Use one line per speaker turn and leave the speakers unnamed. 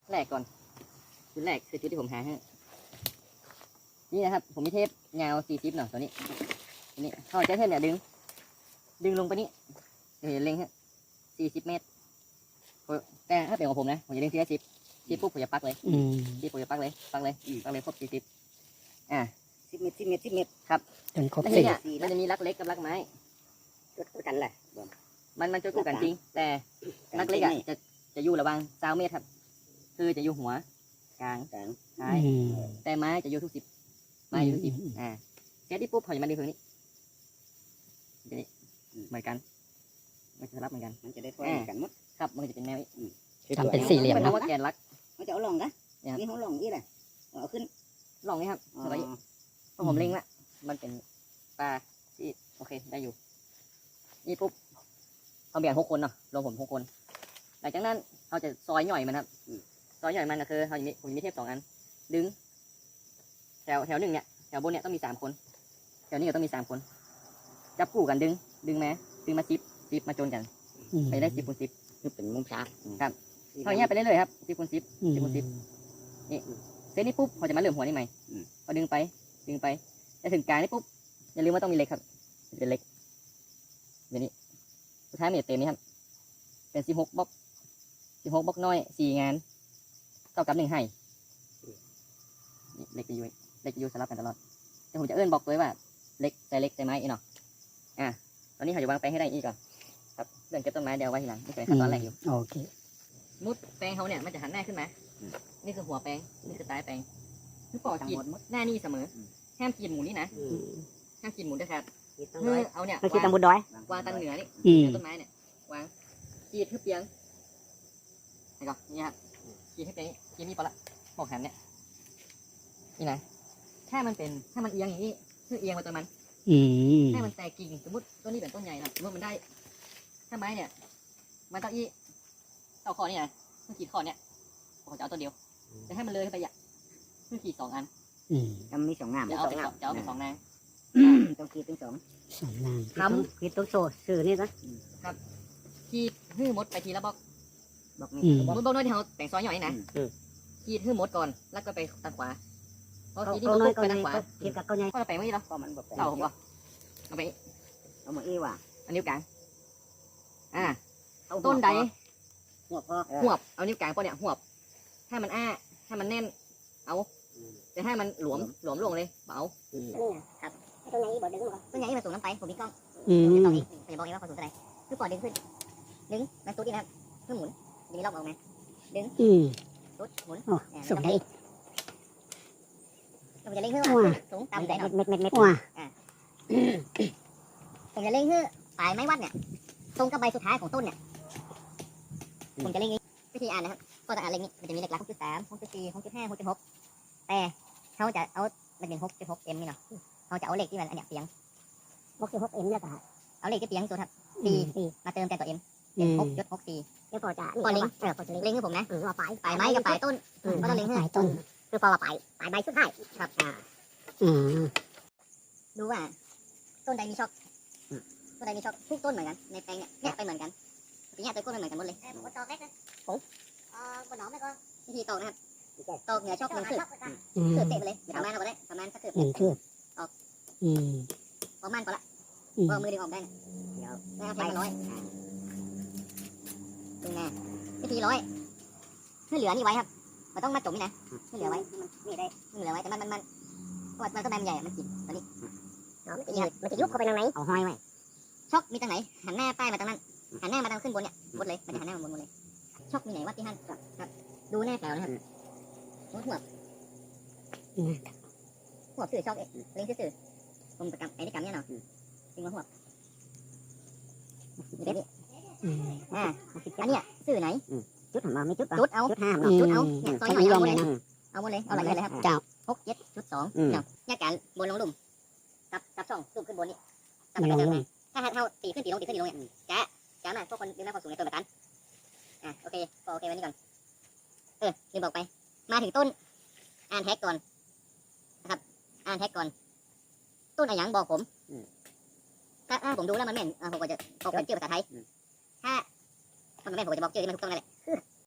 แรกก่อนจุดแรกคือจุดที่ผมหาให้นี่นะครับผมมีเทปยาว40เนาะตัวนี้เขาจะเทปเนี่ยดึงลงไปนี่เดี๋ยวเล็งฮะ40 เมตรแต่ถ้าเป็นของผมนะผมจะดึงทีละ10ปุ๊บผมจะปักเลย10ผมจะปักเลยครบ40
10 เมตร
ครับ
จนครบ
แล้ว
สี่
เนี่ยมันจะมีรักเล็กกับรักไม้
จุดกันแหละ
มันจะคู่กันจริงแต่รักเล็กอ่ะจะอยู่ระหว่าง20 เมตรครับคือจะอยู่หัวกลางท้ายแต่ไม้จะอยู่ทุก10ไม้อยู่ทุก10เซตที่ปุ๊บเขาจะมาดึงตรงนี้เหมือนกันมันจะรับเหมือนกัน
มันจะได้ถ้วยกันหมด
ครับมันจะเป็นแนว
ทำเป็นสี่เหลี่ยม
มัน
เนาะ
ว่าแกนรัก
มันจะเอาลงนะนี่เขาลงนี่แหละเอาขึ้น
ลองนี้ครับแล้วก็พอผมเล็งละมันเป็นปลาที่โอเคได้อยู่นี่ปุ๊บเขาแบ่ง6 คนเนาะรวมผม6 คนหลังจากนั้นเขาจะซอยหน่อยมันครับซอยหน่อยมันก็คือผมมีเทป2 อันดึงแถวหนึ่งเนี่ยแถวบนเนี่ยต้องมี3 คนแถวนี้ก็ต้องมี3 คนจับคู่กันดึงมา10มาจนกันไปได้10 คูณ 10
คือเป็นมุมฉาก
ครับเท่านี้ไปเรื่อยๆครับ10 คูณ 10 10 คูณ 10นี่เซตนี้ปุ๊บเขาจะมาเริ่มหัวนี่ใหม่พอดึงไปจะถึงกลางนี่ปุ๊บอย่าลืมว่าต้องมีเหล็กครับเป็นเหล็กเดี๋ยวนี้สุดท้ายมันจะเต็มนี่ครับเป็น16 บล็อกน้อย4 งานเท่ากับ1 ให้เหล็กจะอยู่สลับกันตลอดแต่ผมจะเอื้อนบอกเลยว่าเหล็กใส่ไม้อีกเนาะตอนนี้เขาจะวางแปลงให้ได้อีกก่อนครับเรื่องเก็บต้นไม้เดี๋ยวไว้ทีหลังนี่เป็นขั้นตอนแรกอยู่
โอเค
มุดแปลงเขาเนี่ยมันจะหันหน้าขึ้นมานี่คือหัวแปลงนี่คือท้ายแปลงคือปอขีดหน้านี่เสมอห้ามขีดหมุนนี่นะห้ามขีดหมุนด้วยครับเอาเนี่ย
มันคิดตามบนดอยว
างตังเหนือนี่ต้นไม้เนี่ยวางขีดให้เปียงนี่ก่อนนี่ครับขีดให้เปียงขีดนี่พอละบอกหันเนี่ยนี่นะถ้ามันเอียงอย่างนี้คือเอียงมาตัวมันให้มันแตกกิ่งสมมติต้นนี้เป็นต้นใหญ่นะสมมติมันได้ถ้าไม้เนี่ยมันต้องเอาคอนี่นะมันขีดคอเนี่ยผมจะเอาตัวเดียวจะให้มันเลยขึ้นไปอ่ะคือขีด2 อัน
มันมี2 งาม
จะเอาไป2 นาง
ต้องขีดเป็น2
2 นาง
ทำ
ขีดตัวโซ่สื่อนี่นะ
ขีดหื้อมดไปทีละบล็อก
บอกนี่
บล็อกน้อยที่เขาแต่งซอยย่อยนะขีดหื้อมดก่อนแล้วก็ไปทางขวาพอขีดนี่มันไปทางขวา
ขีดกับก้อนใหญ่
ก็ไปไม่ได้หรอ
ก็มันบอก
เอาผมก็เอาไป
เอามาอีว่ะ
อันนิ้วกลางต้นใด
หัวพอ
หวบเอานิ้วกลางปะเนี่ยหวบถ้ามันถ้ามันแน่นเอาแต่ถ้ามันหลวมลงเลยเบา
ครับต้นใหญ่บอกดึงก่อน
ต้นใหญ่มาสูงน้ำไปผมมีกล้อง
ม
ตอนนี้ผมจะบอกเองว่าความสูงเท่าไหร่คือปอดดึงขึ้นมันตุ๊ดนี่นะครับเพื่อหมุนจะมีรอบออกมาตุ๊ดหมุน
สุดได้
ผมจะเล่งขึ้นสูงต่ำใจหน่อย
เม็ด
ว้า
ผมจะเล่งขึ้นปลายไม้วัดเนี่ยตรงกับใบสุดท้ายของต้นเนี่ยผมจะเล่งนี้วิธีอ่านนะครับก็จะอ่านเล่งนี้มันจะมีเลขหลัก6.3 6.4 6.5 6.6แต่เขาจะเอามันเป็น6.6 m นี่เนาะเขาจะเอาเลขที่มันอันเนี้ยเปียง
6.6 เอ็มแล้วก็
เอาเลขที่เปียงตัวครับ4มาเติมแต่ตัว m เป็น 6.64
แล้วพอจะ
ก่อนเล็ง
พอจะเล็ง
เล็งให้ผมนะ
ว่าปลาย
ปลายไม้กับปลายต้นก็ต้องเล็งให้
ปลายต้น
คือพอว่าปลายใบสุดท้าย
ครับ ดูว่าต้นใดมีช็อกทุกต้นเหมือนกันในแปลงเนี่ยไปเหมือนกันทีนี้ตัวต้นเหมือนกันหมดเลย
ผมก็ตอกเล็กนะบนหนองไม่ก็
วิธีตอกนะครับตอกเหนือช็อก1 คืบเตะไปเลยประมาณเอาไปได้ประมาณสักคืบ
1 คืบ
ประมาณก็ละพอมือดึงออกได้เดี๋ยวเอาแทงมา100ดึงแน่วิธี100ให้เหลือนี่ไว้ครับมันต้องมาจมนี่นะให้เหลือไว้นี่ได้เหลือไว้แต่มันเพราะมันต้นไม้ใหญ่มันกินตอนนี้
มันจะยุบเข้าไปทางไหนเอาห้อยไว้
ช็อกมีทางไหนหันหน้าป้ายมาทางนั้นหันหน้ามาทางขึ้นบนเนี่ยหมดเลยมันจะหันหน้ามาบนหมดเลยช็อกมีไหนวัดที่หันครับดูแน่แถวนะครับหัวสื่อช็อกเล็งสื่อผมประกำไอ้นี่กำเนี่ยเนาะจริงว่าหัวนี่นี่อันเนี้ยสื่อไหน
จุดหันมาไม่จุด
จุดเอา
จุดห้าม
จุดเอาเนี่ยซอยหน่อยเอาหมดเลย เอาหมดเลยเอาอะไรเลยครับ
เจ้า
6.7.2เนาะแยกกันบนลงหลุมกับช่องสูงขึ้นบนนี่กับกระเทิงถ้าเท่าตีขึ้นตีลงเนี่ยจ้ามาพวกคนเรียนรู้ความสูงในตัวประกันโอเควันนี้ก่อนลืมบอกไปมาถึงต้นอ่านแท็กก่อนนะครับอ่านแท็กก่อนต้นอะไรอย่างบอกผมถ้าผมดูแล้วมันแม่นผมก็จะบอกเป็นชื่อภาษาไทยถ้ามันแม่นผมก็จะบอกชื่อที่มันถูกต้องนั่นแหละ